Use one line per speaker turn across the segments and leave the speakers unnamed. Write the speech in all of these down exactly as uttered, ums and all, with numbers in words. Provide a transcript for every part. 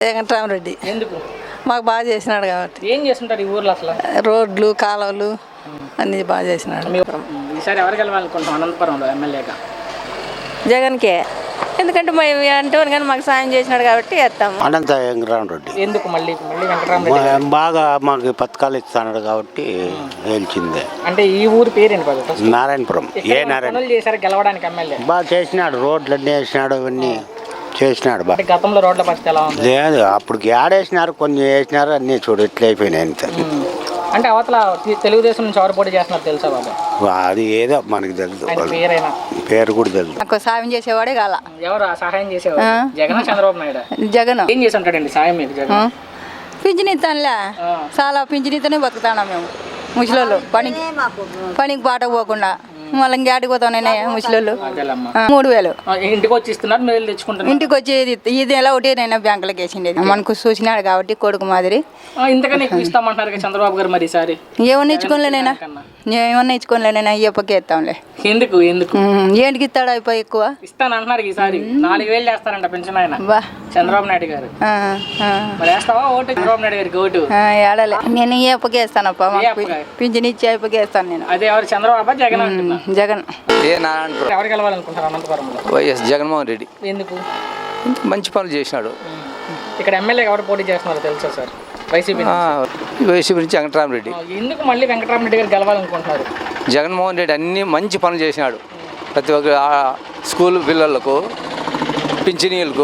వెంకటరామరెడ్డి.
ఎందుకు?
మాకు బాగా చేసినాడు కాబట్టి.
ఏం చేస్తుంటారు ఈ ఊర్లో అసలు?
రోడ్లు, కాలువలు అన్నీ బాగా చేసినాడు.
ఈసారి ఎవరు గెలవాలనుకుంటాం అనంతపురంలో ఎమ్మెల్యేగా?
జగన్కే. ఎందుకంటే మేము అంటే కానీ మాకు సాయం చేసినాడు కాబట్టి వేస్తాము.
అనంత వెంకటరామరెడ్డి.
ఎందుకు మళ్ళీ మళ్ళీ వెంకటరామరెడ్డి?
బాగా మాకు పథకాలు ఇస్తున్నాడు కాబట్టి గెలిచిందే.
అంటే ఈ ఊరు పేరేంటి బాబు?
నారాయణపురం. ఏ నారాయణ
చేశారు గెలవడానికి ఎమ్మెల్యే?
బాగా చేసినాడు, రోడ్లు అన్నీ వేసినాడు, అవన్నీ చేసినాడు బాగా.
గతంలో రోడ్ల పరిస్థితి ఎలా ఉంది?
లేదు, అప్పుడు ఆడేసినారు, కొన్ని వేసినారు, అన్నీ చూడు ఎట్లా అయిపోయినాయి అంత.
అంటే అవతల తెలుగుదేశం నుంచి ఎవరు పోటీ చేస్తున్నారు తెలుసా బాబు?
అది ఏదో మనకి తెలుసు,
పేరైనా
పేరు కూడా తెలుసు.
నాకు సాయం చేసేవాడే కాల.
ఎవరు సహాయం చేసేవాడు? జగన్, చంద్రబాబు నాయుడు?
జగన్.
ఏం చేసి ఉంటాడండి సాయం మీకు జగన్?
పింఛన్ ఇస్తానులే, చాలా పింఛన్ ఇస్తేనే బతుకుతాను మేము ముసలోళ్ళు. పనికి పనికి బాట పోకుండా మళ్ళీ ఇంకేడికి పోతాం నేను ముసలోళ్ళు. మూడు వేలు
ఇంటికి వచ్చి ఇస్తున్నారు, మీరు తెచ్చుకుంటారు?
ఇంటికి వచ్చి ఇది ఎలా ఒకటి నేను బ్యాంకులకు వేసిండేది. మనకు చూసినాడు కాబట్టి కొడుకు మాదిరి.
ఇంతకన్నా ఎక్కువ ఇస్తామంటారు చంద్రబాబు గారు మరి ఈసారి?
ఏమన్నా ఇచ్చుకోలేనైనా ఏమన్నా ఇచ్చుకోలేనైనా అయ్యప్పకి ఇస్తాంలే.
ఎందుకు ఎందుకు
ఏంటికి ఇస్తాడు అయిపోయి ఎక్కువ
ఇస్తాను అంటున్నారు ఈసారి. నాలుగు వేలు చేస్తారంట పెన్షన్ ఆయన చంద్రబాబు నాయుడు గారు. మరి వేస్తావా ఓటు చంద్రబాబు నాయుడు గారికి? ఓటు
ఏడాలి. నేను ఈ అప్పకి వేస్తానప్ప, పింఛన్ ఇచ్చి అయిపోయి వేస్తాను నేను.
అదే ఎవరు చంద్రబాబు జగన్?
జగన్.
ఏ నారాయణపురం.
ఎవరు గెలవాలనుకుంటారు అనంతపురంలో?
వైఎస్ జగన్మోహన్ రెడ్డి.
ఎందుకు?
మంచి పనులు చేసినాడు.
ఇక్కడ ఎమ్మెల్యే ఎవరు పోటీ చేస్తున్నారో తెలుసా సార్? వైసీపీ
వైసీపీ నుంచి వెంకటరామరెడ్డి.
ఎందుకు మళ్ళీ వెంకటరామరెడ్డి గారు గెలవాలనుకుంటున్నారు?
జగన్మోహన్ రెడ్డి అన్ని మంచి పనులు చేసినాడు. ప్రతి ఒక్క స్కూల్ పిల్లలకు, పింఛనీలకు,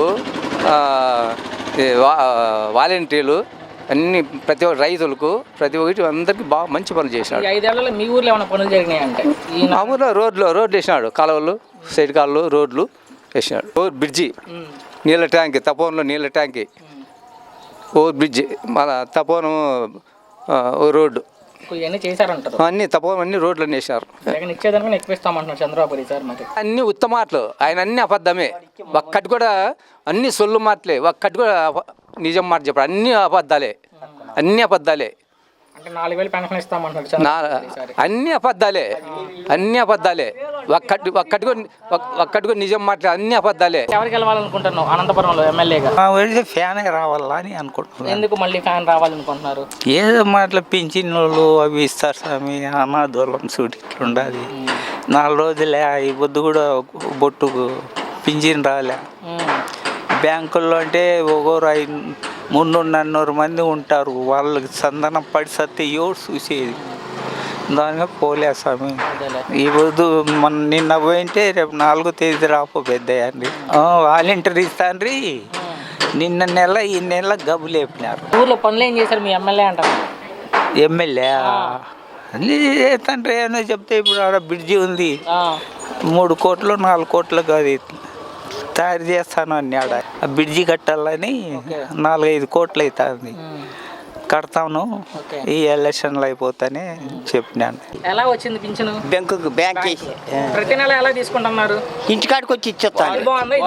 వాలంటీర్లు అన్ని, ప్రతి ఒక్క రైతులకు, ప్రతి ఒక్కటి అందరికి బాగా మంచి పనులు చేసినాడు.
ఐదేళ్లలో మీ ఊర్లో ఏమైనా పనులు జరిగినాయి అంటే?
మా ఊర్లో రోడ్లు రోడ్లు వేసినాడు, కాలువలు, సైడ్ కాలువలు, రోడ్లు వేసినాడు. ఓ బ్రిడ్జి, నీళ్ళ ట్యాంక్, తపోన్లో నీళ్ళ ట్యాంక్, ఓ బ్రిడ్జి, మన తపోను రోడ్డు
ఇవన్నీ చేశారంటారు.
అన్ని తపోనం అన్ని రోడ్లు అన్నీ వేసినారు.
జగన్ ఇచ్చేదానికి ఎక్కువ ఇస్తామంటున్నారు చంద్రబాబు సార్. మరి
అన్ని ఉత్తమ మాటలు, ఆయన అన్ని అబద్ధమే. ఒక్కటి కూడా అన్ని సొల్లు మాటలే, ఒక్కటి కూడా నిజం మాట చెప్పాడు. అన్ని అబద్ధాలే, అన్ని అబద్ధాలే.
అంటే నాలుగు వేలు పెన్షన్ ఇస్తామంటున్నారు.
అన్ని అబద్ధాలే, అన్ని అబద్ధాలే. ఒక్కటి ఒక్కటి కూడా ఒక్కటి కూడా నిజం మాట్లాడే, అన్ని అబద్ధాలే.
ఎవరు గెలవాలనుకుంటున్నావు అనంతపురంలో ఎమ్మెల్యేగా?
ఫ్యాన్ రావాలా అని అనుకుంటున్నాను.
ఎందుకు మళ్ళీ ఫ్యాన్ రావాలనుకుంటున్నారు?
ఏదో మాటలు పింఛన్లు అవి ఇస్తారు స్వామి, అనాదూలం సూటి ఇట్లా ఉండాలి. నాలుగు రోజులే ఈ పొద్దు కూడా బొట్టుకు పింఛన్ రాలే. బ్యాంకుల్లో అంటే ఒకరు ఐదు మూడు నన్నూరు మంది ఉంటారు, వాళ్ళకి సందనం పడి సత్తే ఎవరు చూసేది. దానిగా పోలే స్వామి. ఈ పొద్దు మన నిన్న పోయింటే రేపు నాలుగో తేదీ రాపో పెద్దయండి. వాలంటీర్ ఇస్తాండ్రి. నిన్న నెల ఈ నెల గబ్బు లేపినారు.
ఊర్లో పనులు ఏం చేశారు మీ ఎమ్మెల్యే అంటారు?
ఎమ్మెల్యే అన్నీ తండ్రి ఏమో చెప్తే ఇప్పుడు ఆడ బ్రిడ్జి ఉంది, మూడు కోట్లు నాలుగు కోట్లు కాదు తయారు చేస్తాను అన్నాడు. ఆ బ్రిడ్జి కట్టాలని నాలుగైదు కోట్లు అవుతుంది. కడతాను ఈ ఎలక్షన్లు అయిపోతానే చెప్పినాను.
ఎలా వచ్చింది పింఛను?
బ్యాంకు బ్యాంక్
ప్రతి నెల ఎలా తీసుకుంటున్నారు?
ఇంటికాడికి వచ్చి ఇచ్చేస్తాను.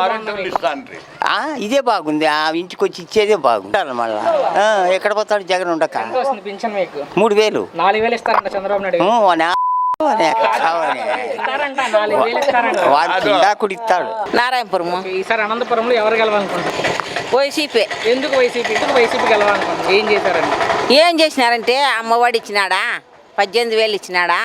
ఇదే బాగుంది, ఆ ఇంటికి వచ్చి ఇచ్చేదే బాగుంది. మళ్ళా ఎక్కడ పోతాడు జగన్ ఉండక.
పింఛన్ మీకు
మూడు వేలు
నాలుగు వేలు ఇస్తారంట చంద్రబాబు నాయుడు.
నారాయణపురము.
ఈసారి అనంతపురంలో ఎవరు గెలవాలనుకుంటారు?
వైసీపీ.
ఎందుకు వైసీపీ? ఎందుకు వైసీపీ గెలవాలనుకుంటారు? ఏం చేశారండి?
ఏం చేసినారంటే అమ్మఒడి ఇచ్చినాడా, పద్దెనిమిది వేలు ఇచ్చినాడా,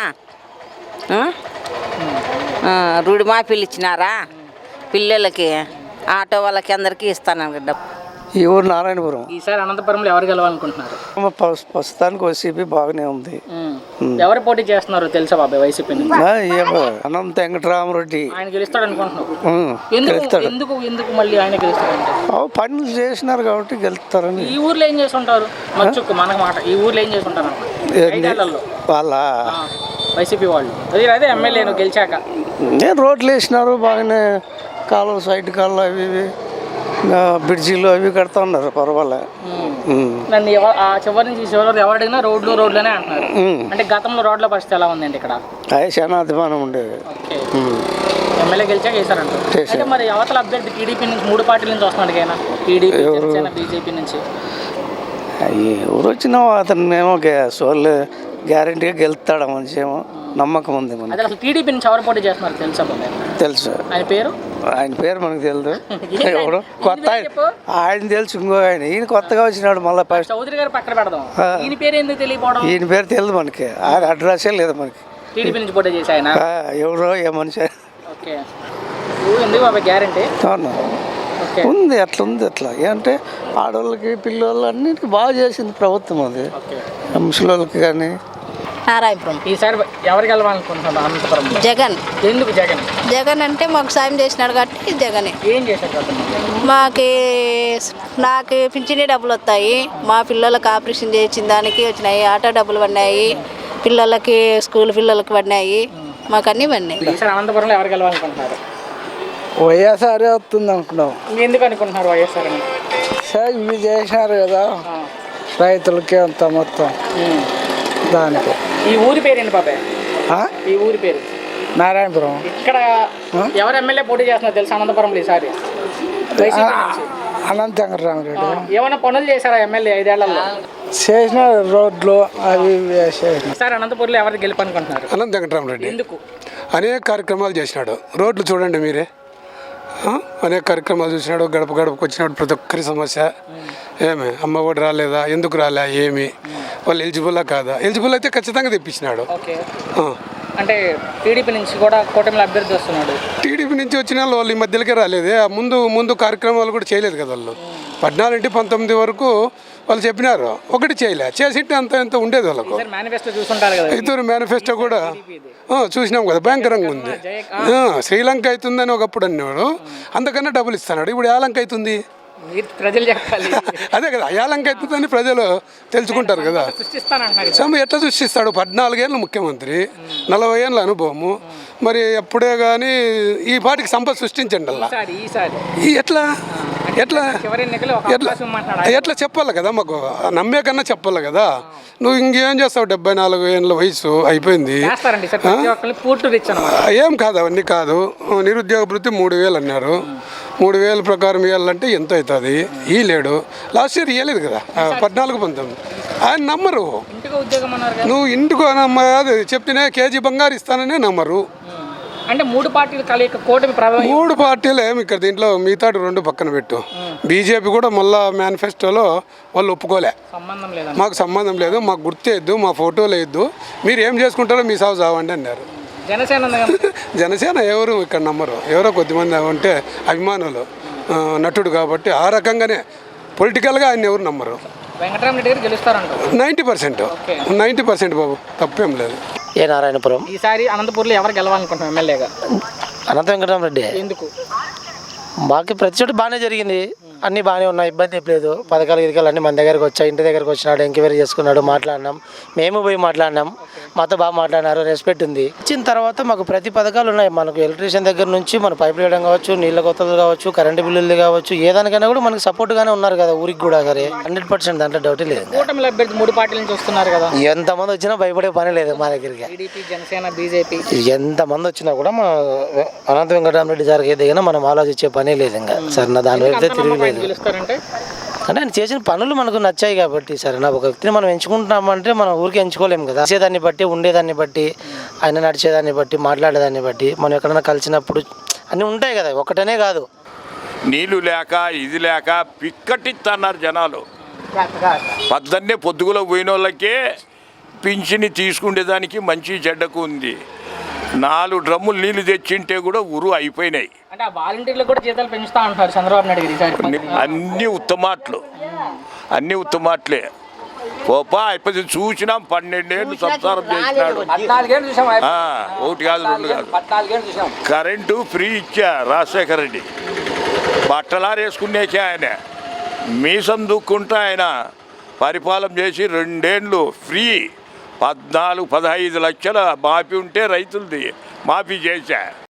రుడిమాఫీలు ఇచ్చినారా, పిల్లలకి ఆటో వాళ్ళకి అందరికీ ఇస్తాను డబ్బు.
ఈ ఊరు నారాయణపురం.
ఈసారి అనంతపురంలో ఎవరు గెలవాలనుకుంటున్నారు?
ప్రస్తుతానికి వైసీపీ బాగానే ఉంది.
ఎవరు పోటీ చేస్తున్నారు తెలుసా బాబాయ్ వైసీపీ నుంచి?
అనంత వెంకటరామరెడ్డి.
ఆయన గెలుస్తాడు అనుకుంటున్నావు? ఎందుకు ఎందుకు మళ్ళీ ఆయన గెలుస్తాడంటే?
పనులు చేసినారు కాబట్టి గెలుస్తారని.
ఈ ఊర్లో ఏం చేస్తుంటారు? మచ్చుకు మనకు మాట, ఈ ఊర్లో ఏం చేస్తుంటారు
వాళ్ళ
వైసీపీ వాళ్ళు? అదే అదే ఎమ్మెల్యే నువ్వు గెలిచాక
నేను రోడ్లు వేసినారు బాగానే, కాలువ సైడ్ కాళ్ళు అవి ఇవి బ్రిడ్జిలు అవి కడతా ఉన్నారు, పర్వాలే.
నన్ను ఆ చివరి నుంచి చివరి ఎవరు అడిగినా రోడ్లు రోడ్లనే అంటున్నారు. అంటే గతంలో రోడ్ల పరిస్థితి ఎలా ఉందండి ఇక్కడ?
అదే చాలా అభిమానం ఉండేది.
ఎమ్మెల్యే గెలిచాక వేసారంట. అంటే మరి అవతల అభ్యర్థి టీడీపీ నుంచి మూడు పార్టీల నుంచి వస్తున్నాడు కదా, టీడీపీ, జనసేన, బీజేపీ నుంచి.
ఎవరు వచ్చినా అతను ఏమో సోల్ గ్యారంటీగా గెలుస్తాడు, మంచి ఏమో నమ్మకం ఉంది.
అసలు టీడీపీ నుంచి ఎవరు పోటీ చేస్తున్నారు తెలుసా?
తెలుసు.
ఆయన పేరు
ఆయన పేరు మనకు తెలియదు
ఏంటి?
ఎవడు
ఈయన
కొత్త
పేరు
ఆయన
చెప్పు.
ఆయన తెలుసు ఇంకో ఆయన ఈయన కొత్తగా వచ్చినాడు మళ్ళీ ఫస్ట్
చౌదరి గారు పక్కన పెడదాం ఈయన పేరు ఎందుకు తెలియపోవడం
ఈయన పేరు తెలియదు మనకి ఆయన అడ్రస్సే లేదు మనకి
టీడీపీ నుంచి పోటీ చేసి ఆయన
ఆ, ఎవరో ఏ మనిషి
ఓకే నువ్వు ఎందుకు బాబా గ్యారంటీ
అవును
ఓకే
ఉంది అట్లా ఉంది అట్లా ఏంటంటే ఆడవాళ్ళకి పిల్లలు అన్నిటికీ బాగా చేసింది ప్రభుత్వం అది
ఓకే
ముసలిళ్ళకి కానీ
నారాయణపురం
ఈసారి ఎవరికి వెళ్ళాలనుకుంటున్నాను అనంతపురం
జగన్
ఎందుకు జగన్
జగన్ అంటే మాకు సాయం చేసినాడు కాబట్టి జగనే
ఏం చేశారు అతను?
మాకి నాకు పింఛనీ డబ్బులు వస్తాయి మా పిల్లలకి ఆపరేషన్ చేసిన దానికి వచ్చినాయి ఆటో డబ్బులు పడినాయి పిల్లలకి స్కూల్ పిల్లలకి పడినాయి మాకు అన్నీ పడినాయి
ఈసారి అనంతపురంలో ఎవరికి వెళ్ళాలనుకుంటున్నారు
వైఎస్ఆర్ వస్తుంది అనుకున్నాం
ఎందుకు అనుకుంటున్నారు వైఎస్ఆర్ అని
సార్ ఇవి చేసినారు కదా
ఆ.
రైతులకి అంత మొత్తం
ఉమ్.
దానికి
ఈ ఊరి పేరు ఏంటి బాబాయ్
ఆ?
ఈ ఊరి పేరు
నారాయణపురం
ఇక్కడ ఎవరు ఎమ్మెల్యే పోటీ చేస్తున్నారు తెలుసు అనంతపురంలో ఈసారి వైసీపీ నుంచి.
అనంత వెంకటరామరెడ్డి
ఏమైనా పనులు చేశారా ఎమ్మెల్యే ఐదేళ్లలో
చేసిన రోడ్లు అవి ఇవి చేసిన
ఈసారి అనంతపురంలో ఎవరికి గెలుపనుకుంటున్నారు
అనంత వెంకటరామరెడ్డి
ఎందుకు
అనేక కార్యక్రమాలు చేసినాడు. రోడ్లు చూడండి మీరే, ఆ? అనేక కార్యక్రమాలు చూసినాడు. గడప గడపకు వచ్చినాడు. ప్రతి ఒక్కరి సమస్య ఏమి అమ్మ ఒడి రాలేదా, ఎందుకు రాలే, ఏమి వాళ్ళు ఎలిజిబుల్లా కాదా, ఎలిజిబుల్ అయితే ఖచ్చితంగా తెప్పించినాడు.
ఓకే అంటే టీడీపీ నుంచి కూడా కూటమిలో అభ్యర్థి వస్తున్నాడు.
టీడీపీ నుంచి వచ్చిన వాళ్ళు వాళ్ళు ఈ మధ్యలోకే రాలేదే. ఆ ముందు ముందు కార్యక్రమాలు కూడా చేయలేదు కదా వాళ్ళు. పద్నాలుగు నుండి పంతొమ్మిది వరకు వాళ్ళు చెప్పినారు, ఒకటి చేయలే. చేసింటే అంత ఎంత ఉండేది వాళ్ళకు.
మేనిఫెస్టో చూసుంటారు కదా
ఇతరు మేనిఫెస్టో కూడా ఆ, చూసినాం కదా, భయంకరంగా ఉంది. ఆ, శ్రీలంక అవుతుందని ఒకప్పుడు అన్నాడు, అంతకన్నా డబ్బులు ఇస్తున్నాడు. ఇప్పుడు ఏ లంక అవుతుంది?
మీరు ప్రజలు చెప్పాలి.
అదే కదా, ఏ లంక అవుతుందని ప్రజలు తెలుసుకుంటారు కదా.
సృష్టిస్తానంటారు
సమ ఎట్లా సృష్టిస్తాడు? పద్నాలుగేళ్ళు ముఖ్యమంత్రి, నలభై ఏళ్ళ అనుభవము. మరి ఎప్పుడే కానీ ఈ పాటికి సంపద సృష్టించండి అలా.
ఈసారి ఈసారి
ఈ ఎట్లా ఎట్లా
చివరి ఎన్నికలు ఒక
ఎట్లా
అవకాశం మాట్లాడాలి.
ఎట్లా చెప్పాలి కదా, మాకు నమ్మే కన్నా చెప్పాలి కదా. నువ్వు ఇంకేం చేస్తావు? డెబ్బై నాలుగు ఏళ్ళ వయసు అయిపోయింది.
చేస్తారండి సార్ ప్రతి ఒక్కరిని పూర్తి రిచ్ అన్నమాట.
ఏం కాదు, అవన్నీ కాదు. నిరుద్యోగ భృతి మూడు వేలు అన్నారు. మూడు వేల ప్రకారం ఇవ్వాలంటే ఎంత అవుతుంది? ఈ లేడు. లాస్ట్ ఇయర్ ఇవ్వలేదు కదా, పద్నాలుగు పంతొమ్మిది. ఆయన నమ్మరు.
ఇంటికి ఉద్యోగం అన్నారు కదా.
నువ్వు ఇంటికి నమ్మ చెప్తేనే కేజీ బంగారు ఇస్తాననే నమ్మరు.
అంటే మూడు పార్టీలు కలయిక కూటమి ప్రభావం.
మూడు పార్టీలు ఏమి ఇక్కడ దీంట్లో మిగతా రెండు పక్కన పెట్టు. బీజేపీ కూడా మళ్ళా మేనిఫెస్టోలో వాళ్ళు ఒప్పుకోలే.
సంబంధం లేదా?
మాకు సంబంధం లేదు, మాకు గుర్తేయద్దు, మా ఫోటోలు వేయద్దు, మీరు ఏం చేసుకుంటారో మీ సాగు చావండి అన్నారు.
జనసేన ఉంది కదా.
జనసేన ఎవరు ఇక్కడ నమ్మరు. ఎవరో కొద్దిమంది ఉంటే అభిమానులు, ఆ, నటుడు కాబట్టి ఆ రకంగానే పొలిటికల్గా ఆయన ఎవరు నమ్మరు.
వెంకటరామరెడ్డి గారు గెలుస్తారంట.
నైంటీ పర్సెంట్ నైంటీ పర్సెంట్ బాబు, తప్పేం లేదు.
ఏ నారాయణపురం
ఈసారి అనంతపూర్లో ఎవరు గెలవాలనుకుంటున్నాం ఎమ్మెల్యేగా?
అనంత వెంకటరామరెడ్డి
ఎందుకు?
మాకు ప్రతి చోట బాగానే జరిగింది, అన్నీ బాగానే ఉన్నాయి, ఇబ్బంది ఏం లేదు. పథకాలు గిరికలు అన్నీ మన దగ్గరకు వచ్చాయి, ఇంటి దగ్గరకు వచ్చినాడు, ఎంక్వైరీ చేసుకున్నాడు, మాట్లాడినాం, మేము పోయి మాట్లాడినాం, మాతో బాగా మాట్లాడినారు, రెస్పెక్ట్ ఉంది. వచ్చిన తర్వాత మాకు ప్రతి పథకాలు ఉన్నాయి. మనకు ఎలక్ట్రీషియన్ దగ్గర నుంచి మన పైపులు వేయడం కావచ్చు, నీళ్ళ కొత్తలు కావచ్చు, కరెంటు బిల్లులు కావచ్చు, ఏదానికైనా కూడా మనకు సపోర్ట్గానే ఉన్నారు కదా ఊరికి కూడా. సరే హండ్రెడ్ పర్సెంట్ దాంట్లో డౌటే లేదు.
కూటమిలో అభ్యర్థి మూడు పార్టీల నుంచి వస్తున్నారు కదా.
ఎంతమంది వచ్చినా భయపడే పని లేదు మా దగ్గరికి.
టీడీపీ, జనసేన, బీజేపీ
ఎంతమంది వచ్చినా కూడా మన అనంత వెంకటరామరెడ్డి గారికి ఏదైనా మనం ఆలోచించే పనే లేదు. ఇంకా సరే నా దాని వైపు తిరగలేదు.
గెలుస్తారంటే
అంటే ఆయన చేసిన పనులు మనకు నచ్చాయి కాబట్టి సరే నా ఒక వ్యక్తిని మనం ఎంచుకుంటున్నామంటే మనం ఊరికి ఎంచుకోలేము కదా. చేసేదాన్ని బట్టి, ఉండేదాన్ని బట్టి, ఆయన నడిచేదాన్ని బట్టి, మాట్లాడేదాన్ని బట్టి, మనం ఎక్కడైనా కలిసినప్పుడు అన్నీ ఉంటాయి కదా, ఒకటనే కాదు.
నీళ్లు లేక ఇది లేక పిక్కటిస్తున్నారు జనాలు. పద్దన్నే పొద్దుగులో పోయిన వాళ్ళకే పింఛని తీసుకునేదానికి మంచి చెడ్డకు ఉంది. నాలుగు డ్రమ్ములు నీళ్లు తెచ్చింటే కూడా ఉరు అయిపోయినాయి.
అంటే ఆ వాలంటీర్లకు కూడా జీతాలు పెంచుతా అంటారు చంద్రబాబు నాయుడు గారు.
అన్ని ఉత్తమాట్లు, అన్ని ఉత్తమాట్లే. పోపా అయిపోయి చూసినాం. పన్నెండేళ్ళు సంసారం చేసినాడు. ఒకటి కాదు, రెండు కాదు. కరెంటు ఫ్రీ ఇచ్చా రాజశేఖర రెడ్డి. బట్టలారేసుకునేకే ఆయన మీసం దుక్కుంటా ఆయన పరిపాలన చేసి రెండేళ్ళు ఫ్రీ. పద్నాలుగు పదహైదు లక్షల మాఫీ ఉంటే రైతులది మాఫీ చేశా.